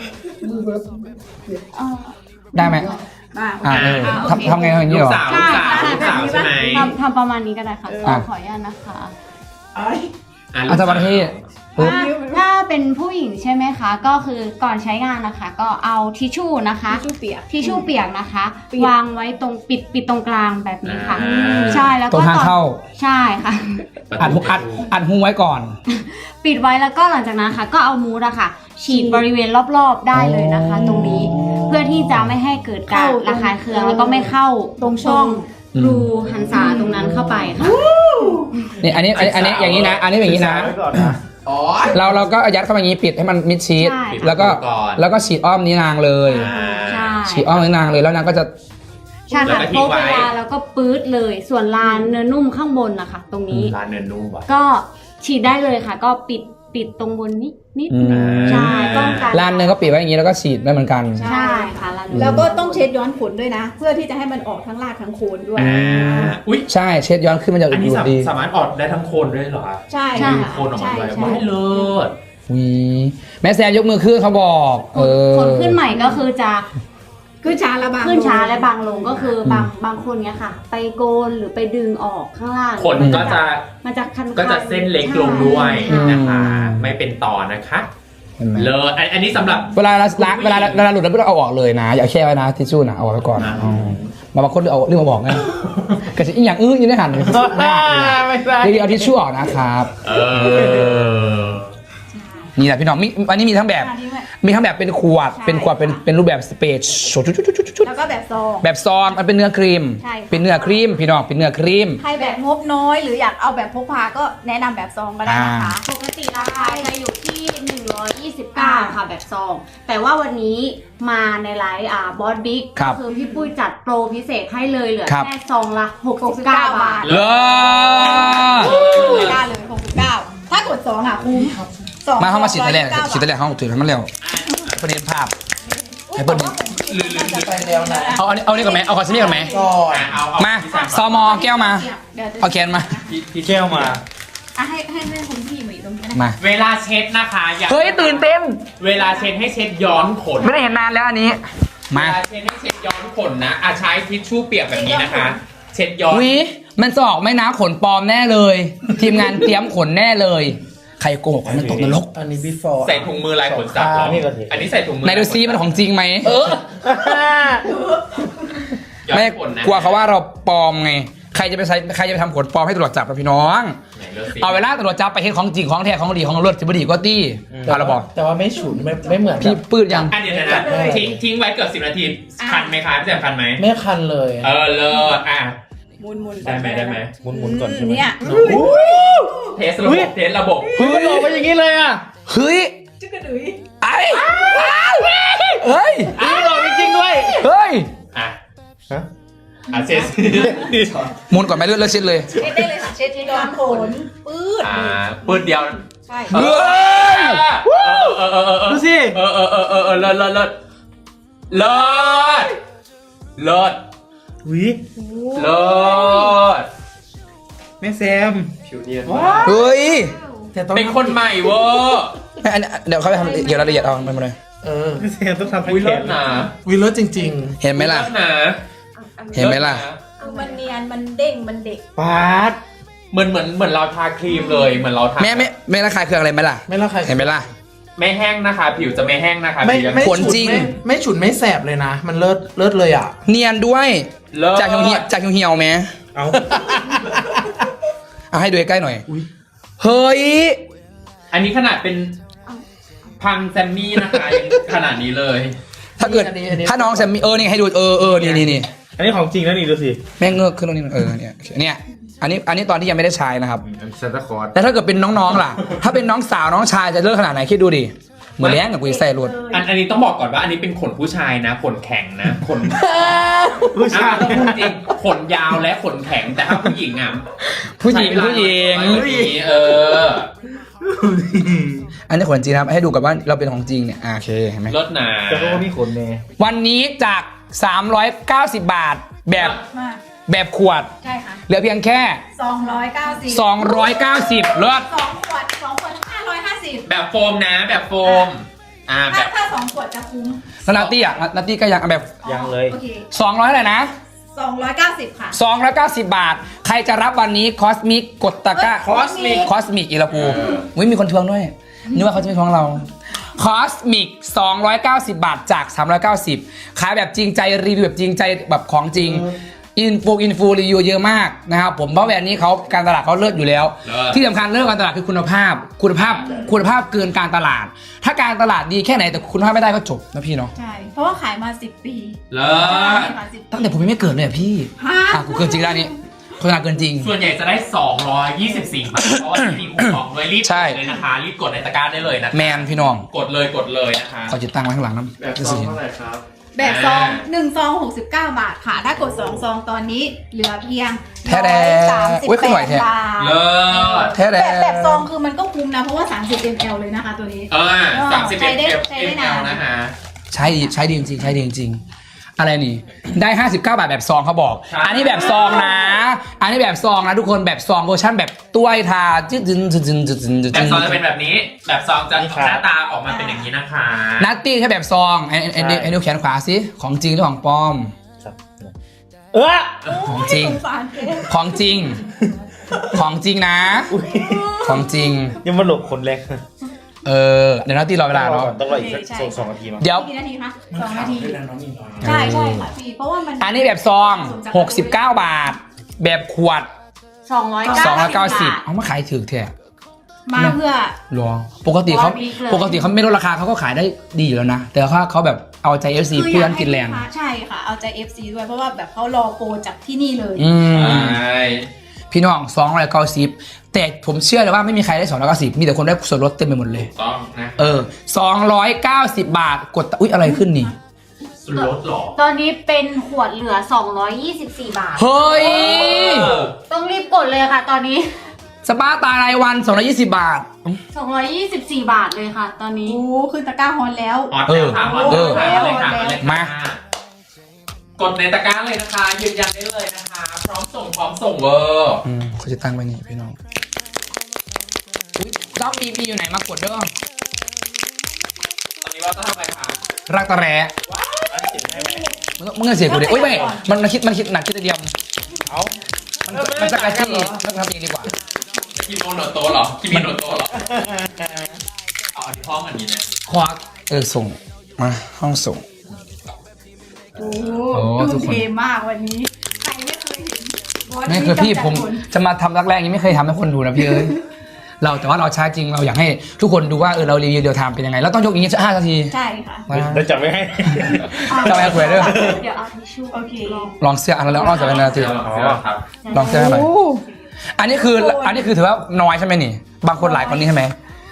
[SPEAKER 5] อ่า
[SPEAKER 1] ได้ไหม
[SPEAKER 5] อ่า
[SPEAKER 1] อ่าเออ
[SPEAKER 5] อ่าโอเค
[SPEAKER 1] ทำทำไงทำอย่างนี้
[SPEAKER 3] ลู
[SPEAKER 1] เหรอ
[SPEAKER 3] กสาวลูกสาวลูกสาวใช่ไหม
[SPEAKER 4] ทำทำประมาณนี้ก็ได้ค่ะ
[SPEAKER 1] อ่ะ
[SPEAKER 4] ขออนุญาตนะคะ
[SPEAKER 6] ไอ้
[SPEAKER 3] อ่ะ
[SPEAKER 1] อาจารย์ประเทศปุ๊บ
[SPEAKER 4] ถ้าถ้าเป็นผู้หญิงใช่ไหมคะ ก็คือก่อนใช้งานนะคะ ก็เอาทิชชู่นะคะ
[SPEAKER 5] ทิชชู่เปียก
[SPEAKER 4] ทิชชู่เปียกนะคะ
[SPEAKER 5] ปิด
[SPEAKER 4] วางไว้ตรงปิดปิดตรงกลางแบบนี้ค่ะ
[SPEAKER 3] อ่า
[SPEAKER 4] ใช่แล้ว
[SPEAKER 1] ตร
[SPEAKER 4] ก็
[SPEAKER 1] งทางเข้า
[SPEAKER 4] ใช่ค่ะ
[SPEAKER 1] อัดหูอัดอัดหูไว้ก่อน
[SPEAKER 4] ปิดไว้แล้วก็หลังจากนั้นค่ะ ก็เอามูสอะค่ะ ฉีดบริเวณรอบๆได้เลยนะคะ ตรงนี้เพื่อที่จะไม่ให้เกิดการระคายเคืองแล้วก็ไม่เข้า
[SPEAKER 5] ตรงช่อง
[SPEAKER 4] รูหันษาตรงนั้นเข้าไปค่ะ
[SPEAKER 1] นี่อันนี้อันนี้อันนี้อย่างนี้นะ อันนี้อย่างนี้นะ
[SPEAKER 2] ไว้ก่อนนะ
[SPEAKER 6] อ๋อ
[SPEAKER 1] เราเราก็ยัดเข้ามาอย่างนี้ปิดให้มันมิดชิด
[SPEAKER 4] ใช่
[SPEAKER 1] แล้วก็
[SPEAKER 3] ก่อน
[SPEAKER 1] แล้วก็ฉีดอ้อมนี้นางเลย
[SPEAKER 3] อ่า
[SPEAKER 4] ใช่
[SPEAKER 1] ฉีดอ้อมนี้นางเลยแล้วนางก็จะ
[SPEAKER 4] ใช่
[SPEAKER 3] แล้ว
[SPEAKER 4] ค่ะ
[SPEAKER 3] ก็ทิ้
[SPEAKER 4] โป๊
[SPEAKER 3] งไว้
[SPEAKER 4] เวลาแล้วก็ปื๊ดเลย ส่วนลานเนื้อนุ่มข้างบนนะคะ ตรงนี้
[SPEAKER 3] ร้านเนื้อนุ่มว่ะ
[SPEAKER 4] ก็ฉีดได้เลยค่ะ ก็ปิดปิดตรงบนนิดนิด
[SPEAKER 1] อืม
[SPEAKER 4] ใช่ป้องกัน
[SPEAKER 1] ลานเนื้อก็ปิดไว้อย่างนี้แล้วก็ฉีดได้เหมือนกัน
[SPEAKER 4] ใช่ค่ะลาน
[SPEAKER 5] แล้วก็ต้องเช็ดย้อนขนด้วยนะ เพื่อที่จะให้มันออกทั้งรากทั้งโคนด้วย
[SPEAKER 3] อ่าอุ้ย
[SPEAKER 1] ใช่เช็ดย้อนขึ้นมันจะ
[SPEAKER 3] อันนี้
[SPEAKER 1] ดู
[SPEAKER 3] สา
[SPEAKER 1] ดี
[SPEAKER 3] สามารถออกได้ทั้งโคนด้วยเหรอคะ
[SPEAKER 5] ใช่
[SPEAKER 4] ใช่
[SPEAKER 3] ดึงโคนออกมาด้วย
[SPEAKER 5] ใช่
[SPEAKER 3] ไม่เลิศ
[SPEAKER 1] วีแม่แซมยกมือขึ้นเขาบอก เออ
[SPEAKER 4] คนขึ้นใหม่ก็คือจะ
[SPEAKER 5] ขึ้นช้าและบาง
[SPEAKER 4] ขึ้นช้าและบางลงก็คือบางบางคนเนี้ยค่ะ ไปโกนหรือไปดึงออกข้างล่าง
[SPEAKER 3] ขนก็จะ
[SPEAKER 4] มันจะคันๆ
[SPEAKER 3] ก็จะเส้นเล็กลงด้วย
[SPEAKER 1] อืม
[SPEAKER 3] นะคะ ไม่เป็นต่อนะคะ
[SPEAKER 1] เห็นไหม
[SPEAKER 3] เลิศอันอันนี้สำหรับ
[SPEAKER 1] เวลาล้างเวลาเวลาหลุดแล้วไม่ต้องเอาออกเลยนะ อย่าแช่ไว้นะทิชชู่นะเอาไว้ก่อน
[SPEAKER 3] อ่า
[SPEAKER 1] อ๋อมาบางคนเอาเรื่องมาบอกไงกระชิอีกอย่างอื้อยังได้หันเลย
[SPEAKER 2] ไม่ใช่
[SPEAKER 1] เดี๋ยวเอาทิชชู่ออกนะครับ
[SPEAKER 3] เออ
[SPEAKER 1] นี่แหละพี่น้องมีอันนี้มีทั้งแบบ
[SPEAKER 5] อันนี้แบบ
[SPEAKER 1] มีทั้งแบบเป็นขวด
[SPEAKER 5] ใช่
[SPEAKER 1] เป็นขวดเป็นเป็นรูปแบบสเปซชุดชุดชุดชุดชุด
[SPEAKER 5] แล้วก็แบบซอง
[SPEAKER 1] แบบซองมันเป็นเนื้อครีม
[SPEAKER 5] ใช่ค่ะ
[SPEAKER 1] เป็นเนื้อครีม พี่น้องเป็นเนื้อครีม
[SPEAKER 5] ใครแบบงบน้อยหรืออยากเอาแบบพกพาก็แนะนำแบบซองก็ได้นะคะ
[SPEAKER 4] ปกติราคาจะอยู่ที่หนึ่งร้อยยี่สิบเก้าค่ะแบบซอง แต่ว่าวันนี้มาในไลฟ์อ่าบอสบิ๊ก
[SPEAKER 1] ครับ
[SPEAKER 4] ก็คือพี่ปุ้ยจัดโปรพิเศษให้เลยเหลือ
[SPEAKER 1] ครับ
[SPEAKER 4] แค่ซองละหกสิบเก้าบาท
[SPEAKER 1] เลิศ
[SPEAKER 5] ได้เลยหกสิบเก้าถ้ากดสองอ่ะคุ้มสอง
[SPEAKER 1] มาเข้ามาฉีดตะแลง
[SPEAKER 5] ร้อยเก้าบาท
[SPEAKER 1] ฉีดตะแลงเข้าถือให้มันเร็วประเด็นภาพ ให้เพิ่น
[SPEAKER 6] ลืมจะไปแล้วนะ
[SPEAKER 1] เอาอันนี้เอานี่ก่อนไหมเอาคอนซีลลี่ก่อนไหม
[SPEAKER 6] ก่อน
[SPEAKER 3] อ่ะเอาเอา
[SPEAKER 1] มา
[SPEAKER 3] พี่แซ
[SPEAKER 1] ซอมอแก้วมา
[SPEAKER 5] เดี๋ยวจะ
[SPEAKER 1] เอาแคนมา
[SPEAKER 3] พี่พี่
[SPEAKER 2] แก้วมา
[SPEAKER 5] อ่ะให้ให้ให้คุณพี่มาอยู่ตรงนี้นะ
[SPEAKER 1] มา
[SPEAKER 3] เวลาเช็ดนะคะอย่า
[SPEAKER 1] เฮ้ยตื่นเต้น
[SPEAKER 3] เวลาเช็ดให้เช็ดย้อนขน
[SPEAKER 1] ไม่ได้เห็นนานแล้วอันนี้
[SPEAKER 3] เว
[SPEAKER 1] มา
[SPEAKER 3] ลาเช็ดให้เช็ดย้อนขนนะอ่ะใช้ทิชชู่เปียกแบบนี้นะคะ เช็ดย้อน
[SPEAKER 1] วิมันจะออกไหม่นะขนปลอมแน่เลย ทีมงานเตรียมขนแน่เลย ใครโกหกมันตกนรก
[SPEAKER 6] อันนี้ before
[SPEAKER 3] ใส่ถุงมือลายขนสัตว์เหรอ
[SPEAKER 2] นี่ก็สิ
[SPEAKER 3] อันนี้ใส่ถุงมือ
[SPEAKER 1] ไหนดูซิมันของจริงไหม
[SPEAKER 3] เออย้อน
[SPEAKER 1] ไม่
[SPEAKER 3] ขนนะ
[SPEAKER 1] กลัวเขาว่าเราปลอมไง ใครจะไปใช้ใครจะไปทำขนปลอมให้ตำรวจจับเราพี่น้อง
[SPEAKER 3] ไหนดูสิ
[SPEAKER 1] เอาเวลาตำรวจจับไปเห็นของจริงของแท้ของดีของรถจิบดีก็ตี้พาเราบอก
[SPEAKER 6] แต่ว่าไม่ฉุนไม่ไม่เหมือน
[SPEAKER 1] พี่
[SPEAKER 6] แบบ
[SPEAKER 1] ปืดยัง
[SPEAKER 3] อันเดียวนะทิ้งทิ้งไว้เกือบสิบนาทีคันไหมคะพี่แซมคันไหม
[SPEAKER 6] ไม่คันเลย
[SPEAKER 3] เออเลิศอ่ะ
[SPEAKER 5] หมุนหมุน
[SPEAKER 3] ได้ไหมได้ไหม
[SPEAKER 2] หมุนๆก่อนใช่ไหม
[SPEAKER 5] เนี่ย
[SPEAKER 3] เทสระบบเทสระบบ
[SPEAKER 2] เฮ้ยมันออกมาอย่างนี้เลยอ่ะ
[SPEAKER 1] เฮ้ย
[SPEAKER 5] จึ๊กกระดุย
[SPEAKER 1] ไอ้เฮ้ย
[SPEAKER 2] อ้าวจริงๆด้วย
[SPEAKER 1] เฮ้ย
[SPEAKER 3] อ่ะ
[SPEAKER 2] ฮะ
[SPEAKER 3] อ่ะเซส
[SPEAKER 1] หมุนก่อนไหมเลือดเลือดชิดเลย
[SPEAKER 5] เช็ดได้เลยค่ะเช็ดที่โดนขนปื๊ด
[SPEAKER 3] อ่าปืนเดียว
[SPEAKER 5] ใช่
[SPEAKER 1] เฮ้ย
[SPEAKER 3] เออเออเออเออ
[SPEAKER 2] ดูสิ
[SPEAKER 3] เออเออเออเออเออเลิศเลิศเลิศเลิศเลิศ
[SPEAKER 2] วิ
[SPEAKER 3] เลิศ
[SPEAKER 2] แม่แซม
[SPEAKER 3] ผิวเนียน
[SPEAKER 1] เฮ้ย
[SPEAKER 6] แต่ต้อง
[SPEAKER 3] เป็นคนใหม่เวอร์
[SPEAKER 1] ไม่อันนี้เดี๋ยวเขาไปทำเกี่ยวรายละเอียดเอามันมาเลย
[SPEAKER 6] เออ
[SPEAKER 2] แม่แซมต้องทำทั้ง
[SPEAKER 3] อุ้ย
[SPEAKER 2] แข
[SPEAKER 3] เลิศ
[SPEAKER 2] น
[SPEAKER 3] นะ
[SPEAKER 6] วิลเลอร์จริง
[SPEAKER 1] เห็นไหมล่ะ
[SPEAKER 3] เลิศนะ
[SPEAKER 1] เห็นไหมล่ะ
[SPEAKER 5] คือมันเนียนมันเด้งมันเด็ก
[SPEAKER 2] ปาด
[SPEAKER 3] เหมือนเหมือนเหมือนเราทาครีมเลยเหมือนเราทา
[SPEAKER 1] แม่ไม่ไม่ระคายเคืองอะไรไหมล่ะ
[SPEAKER 6] ๆ ไม่ละใคร
[SPEAKER 1] เห็นไหมล่ะ
[SPEAKER 3] ไม่แห้งนะคะ ผิวจะไม่แห้งนะคะ
[SPEAKER 6] ไม่
[SPEAKER 3] ผิวยัง
[SPEAKER 6] ไม่
[SPEAKER 1] ขน
[SPEAKER 6] ฉุด
[SPEAKER 1] จริง
[SPEAKER 6] ไม่ไม่ฉุนไม่แสบเลยนะ มันเลิศเลิศเลยอ่ะ
[SPEAKER 1] เนียนด้วย
[SPEAKER 3] เลิศ
[SPEAKER 1] จากเหี่ยวๆจากเหี่ยวๆไหม
[SPEAKER 2] เอา
[SPEAKER 1] เอาให้ดูใกล้ๆหน่อย เฮ้ย
[SPEAKER 3] อันนี้ขนาดเป็นพังแซมมี่นะคะยังขนาดนี้เลย
[SPEAKER 1] ถ้าเกิด
[SPEAKER 6] อันนี้อันนี้
[SPEAKER 1] ถ้าน้องแซมมี่เออนี่ให้ดูเออเออนี่นี่นี่
[SPEAKER 2] อันนี้ของจริงแล้วนี่ดูสิ
[SPEAKER 1] แม่งเงือกขึ้นตรงนี้เออเนี่ยเนี่ยอันนี้อันนี้ตอนที่ยังไม่ได้ใช้นะครับ
[SPEAKER 2] ซานตาคลอส
[SPEAKER 1] แต่ถ้าเกิดเป็นน้องๆล่ะ ถ้าเป็นน้องสาวน้องชายจะเลิกขนาดไหนคิดดูดิเหมือนแล้งกับกูจะใส่รถ
[SPEAKER 3] อันอันนี้ต้องบอกก่อนว่าอันนี้เป็นขนผู้ชายนะขนแข็งนะขน
[SPEAKER 2] ผู้ชาย
[SPEAKER 3] อ่ะต้องพูดจริงขนยาวและขนแข็งแต่ถ้าผู้หญิงอ่ะ
[SPEAKER 1] ผู้หญิง
[SPEAKER 3] ใช้เวลา
[SPEAKER 1] ผู้หญิง
[SPEAKER 3] น้อยกว่านี้เออ
[SPEAKER 1] อันนี้ขนจริงนะครับให้ดูกับว่าเราเป็นของจริงเนี่ยอ่าโอเคเห็นไหม
[SPEAKER 3] ลดหนา
[SPEAKER 2] แต่ก็มีขนแน่
[SPEAKER 1] วันนี้จากสามร้อยเก้าสิบบาทแบบ
[SPEAKER 5] มาก
[SPEAKER 1] แบบขวด
[SPEAKER 5] ใช่ค่ะ
[SPEAKER 1] เหลือเพียงแค่
[SPEAKER 5] สองร้อยเก้าสิบ
[SPEAKER 1] สองร้อยเก้าสิบเลิศ
[SPEAKER 5] สองขวดสองขวดห้าร้อยห้าสิบ
[SPEAKER 3] แบบโฟมนะแบบโฟมอ่าแบ
[SPEAKER 5] ถ้า
[SPEAKER 3] บ
[SPEAKER 5] ถ้าสองขวดจะคุ้ม
[SPEAKER 1] แล้วนาตี้อ่ะนาตี้ก็ยังแบบ
[SPEAKER 2] ยังเลย
[SPEAKER 5] โอเค
[SPEAKER 1] สองร้อยเท่าไหร่นะ
[SPEAKER 5] สองร้อยเก้าสิบค่ะ
[SPEAKER 1] สองร้อยเก้าสิบบาท ใครจะรับวันนี้คอสมิกกดตะกร้า
[SPEAKER 5] คอสมิก
[SPEAKER 1] คอสมิกอีลาปูวิมีคนทวงด้วยนึกว่าเขาจะไม่ทวงเราคอสมิกสองร้อยเก้าสิบบาทจากสามร้อยเก้าสิบขายแบบจริงใจรีวิวแบบจริงใจแบบของจริงอินฟูอินฟูรีวิวเยอะมากนะครับผมเพราะแบรนด์นี้เขาการตลาดเขาเลิศอยู่แล้ว ที่สำคัญเรื่องการตลาดคือคุณภาพ คุณภาพคุณภาพเกินการตลาด ถ้าการตลาดดีแค่ไหนแต่คุณภาพไม่ได้ก็จบนะพี่เนาะ
[SPEAKER 5] ใช่ เพราะว่าขายมาสิบปี
[SPEAKER 3] เลิศ
[SPEAKER 5] ขายสิบ
[SPEAKER 1] ตั้งแต่ผมยังไม่เกิดเลยอะพี่
[SPEAKER 5] ฮะ
[SPEAKER 1] อ่ะกูเกินจริงแล้วนี่โฆษณาเกินจริง
[SPEAKER 3] ส่วนใหญ่จะได้สองร้อยยี่สิบสี่บาทเพราะว่ามีคูปองด้วยรีบ
[SPEAKER 1] ใช่
[SPEAKER 3] กดเลยนะคะรีบกดในตะกร้าได้เลยนะคะ
[SPEAKER 1] แมนพี่น้อง
[SPEAKER 3] กดเลยกดเลยนะคะ
[SPEAKER 1] ขอจิตตั้งไว้ข้างหลังน้
[SPEAKER 2] แบบ
[SPEAKER 1] ำ
[SPEAKER 2] ซองเท่าไหร่ครับ
[SPEAKER 5] แบบซองหนึ่งซองหกสิบเก้าบาทค่ะ ถ้ากดสองซองตอนนี้เหลือเพียง
[SPEAKER 1] แท้แด
[SPEAKER 5] สามสิบ
[SPEAKER 1] อุ้ย
[SPEAKER 5] แป
[SPEAKER 1] ขึ้นไหว
[SPEAKER 5] ด
[SPEAKER 1] แท้
[SPEAKER 5] บาท
[SPEAKER 3] เลิศ
[SPEAKER 1] แท้แด
[SPEAKER 5] แบบแบบซองคือมันก็คุ้มนะ เพราะว่า สามสิบมิลลิลิตร เลยนะคะตัวนี้
[SPEAKER 3] เออสามสิบ
[SPEAKER 5] ใช้
[SPEAKER 3] เอ็ด
[SPEAKER 5] ได้
[SPEAKER 3] เอฟ
[SPEAKER 5] ใช้
[SPEAKER 3] เอ
[SPEAKER 5] ได้
[SPEAKER 3] ล
[SPEAKER 5] นาน
[SPEAKER 3] นะคะ
[SPEAKER 1] ใช้ดีใช้ดีจริงๆใช้ดีจริงๆอะไรนี่ ได้ห้าสิบเก้าบาทแบบซองเขาบอก
[SPEAKER 3] ใช่
[SPEAKER 1] อันนี้แบบซองนะ อันนี้แบบซองนะทุกคนแบบซองเวอร์ชันแบบต้วยทาจึ๊ดจึ๊ดจึ๊ดจึ๊ดจึ๊ดจึ๊ด
[SPEAKER 3] แบบซองจะเป็นแบบนี้ แบบซองจะ
[SPEAKER 2] นี่ครับ
[SPEAKER 3] หน้าตาออกมาเป็นอย่างนี้นะคะ
[SPEAKER 1] นัตตี้แค่แบบซองไอ้ไอ้ไอ้ไอ้นิ้วแขนขวาสิของจริงหรือของปลอม
[SPEAKER 2] เออ
[SPEAKER 1] ของจริง
[SPEAKER 5] สงสารเจ๊
[SPEAKER 1] ของจริง ของจริงนะ ของจริง
[SPEAKER 2] ยังมาหลบคนแรก
[SPEAKER 1] เออเดี๋ยวนัตตี้รอเวลาเนาะ
[SPEAKER 2] ต้องรออีกสักสองสองนาทีมั้ง
[SPEAKER 1] เดี๋ยว
[SPEAKER 5] กี่นาทีคะสองนาที ใช่ใช่ค่ะพี่ เพราะว่ามัน
[SPEAKER 1] อันนี้แบบซองหกสิบเก้าบาท แบบขวด
[SPEAKER 4] สองร้อย
[SPEAKER 1] สองร้อย
[SPEAKER 4] เก้า
[SPEAKER 1] เก้า
[SPEAKER 4] สิ
[SPEAKER 1] สิ
[SPEAKER 4] บบ
[SPEAKER 1] เอามาขายถือแท้
[SPEAKER 5] มาเพื่อ
[SPEAKER 1] หรอปกติเขา
[SPEAKER 4] ร้อยบิ๊กเลย
[SPEAKER 1] ปกติเขาไม่ลดราคาเขาก็ขายได้ดีอยู่แล้วนะ แต่ว่าเขาแบบเอาใจ เอฟ ซี
[SPEAKER 5] คือ
[SPEAKER 1] เพื่
[SPEAKER 5] อ
[SPEAKER 1] อย
[SPEAKER 5] าน กให้
[SPEAKER 1] กินแรง
[SPEAKER 5] ลูกค้าใช่ค่ะ เอาใจ เอฟ ซี ด้วย เพราะว่าแบบเขารอโปรจากที่นี่เลย
[SPEAKER 1] อืม
[SPEAKER 3] ใช่
[SPEAKER 1] พี่น้องสองร้อยเก้าสิบแต่ผมเชื่อเลยว่าไม่มีใครได้สองร้อยเก้าสิบมีแต่คนได้ส่วนลดเต็มไปหมดเลย
[SPEAKER 3] ถูกต้องนะ
[SPEAKER 1] เออสองร้อยเก้าสิบบาทกดตะอุ๊ยอะไรขึ้นนี่
[SPEAKER 3] ส่วนลดเหรอ
[SPEAKER 4] ตอนนี้เป็นขวดเหลือสองร้อยยี่สิบสี่บาท
[SPEAKER 1] เฮ้ย
[SPEAKER 3] เออ
[SPEAKER 4] ต้องรีบกดเลยค่ะ ตอนนี้
[SPEAKER 1] สปาตารายวันสองร้อยยี่สิบบาท
[SPEAKER 4] สองร้อยยี่สิบสี่บาทเลยค่ะ ตอนนี้
[SPEAKER 5] โอ้ขึ้นตะกร้าฮอนแล้ว
[SPEAKER 3] ฮอตแล้วค่ะฮอต
[SPEAKER 1] เออ
[SPEAKER 3] แล้วเลยค่ะเลยค่ะ
[SPEAKER 1] มา
[SPEAKER 3] กดในตะกร้าเลยนะคะ ยืนยันได้เลยนะคะ พร้อมส่งพร้อมส่งเวอร์
[SPEAKER 1] อืมเขาจะตั้งไว้นี่พี่น้องอุ๊ยรอบนี้มีอยู่ไหนมากดเด้อ
[SPEAKER 3] ตอนนี้ว่าจะทำอะไรคะ
[SPEAKER 1] รักตะแร้
[SPEAKER 2] อันนี้ติดให้ไหม
[SPEAKER 1] มึงมึงเงินเสียกูดิโอ้ยไม่มันมันคิดมันคิดหนักคิดแต่เดียว
[SPEAKER 2] เอา
[SPEAKER 1] มันมันจะกระจี้มันทำเองดีกว่า
[SPEAKER 3] จะกินโอโนโตะเหรอ กินมิโนโตะเหรอ เอาอันที่ห้องอันนี้นะ
[SPEAKER 1] ควักเออส่งมาห้องส่ง
[SPEAKER 5] โอ้
[SPEAKER 1] โอ้
[SPEAKER 5] ดู
[SPEAKER 1] ทุกคน
[SPEAKER 5] เทมากวันนี้ ใครไม่เคยเห็นบอส
[SPEAKER 1] ไม่คือพี่
[SPEAKER 5] กำจัด
[SPEAKER 1] ผม
[SPEAKER 5] ขน
[SPEAKER 1] จะมาทำรักแรกนี้ไม่เคยทำให้คนดูนะพี่เอ้ย เราแต่ว่าเราใช้จริงเราอยากให้ทุกคนดูว่าเออเรารีวิวเดียวทำเป็นยังไงแล้วต้องยกอย่างนี้ห้านาที
[SPEAKER 5] ใช่ค่ะ
[SPEAKER 1] มา
[SPEAKER 2] เดี๋ยวจับไว้ให้
[SPEAKER 1] จะไปคุยด้วย
[SPEAKER 4] เดี๋ยวเอาทิชชู่
[SPEAKER 5] โอเค
[SPEAKER 1] ลองเสื้ออันแล้วลองจะเป็นนาที
[SPEAKER 3] เดี๋ยวเดี๋ยวครับ
[SPEAKER 1] ลองเสื้อให้หน่อย
[SPEAKER 5] โอ้
[SPEAKER 1] อันนี้คืออันนี้คือถือว่าน้อยใช่ไหมนี่ บางคนหลายคนนี้ใช่ไหม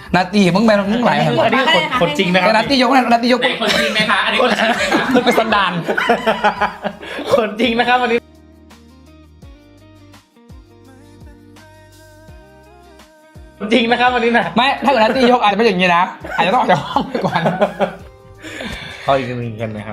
[SPEAKER 1] นาตีมึงแมนมึงไหล
[SPEAKER 2] อันนี้
[SPEAKER 1] เหรอ
[SPEAKER 2] อันนี้คนคนจริงนะครั
[SPEAKER 1] แต่
[SPEAKER 2] บ
[SPEAKER 1] นาตียกนะนาตียก
[SPEAKER 3] ไหนคนจริงไหมคะอันนี้คนจริงไหมคะ
[SPEAKER 1] เป็นสันดาน
[SPEAKER 2] คนจริงนะครับวันนี้จริงนะครับวันนี้นะ
[SPEAKER 1] ไม่ถ้าเกิดนาตียกอาจจะไม่อย่างนี้นะอาจจะต้องออกจากห้องไปก่อน
[SPEAKER 2] เขาอีกหนึ่งกันนะครับ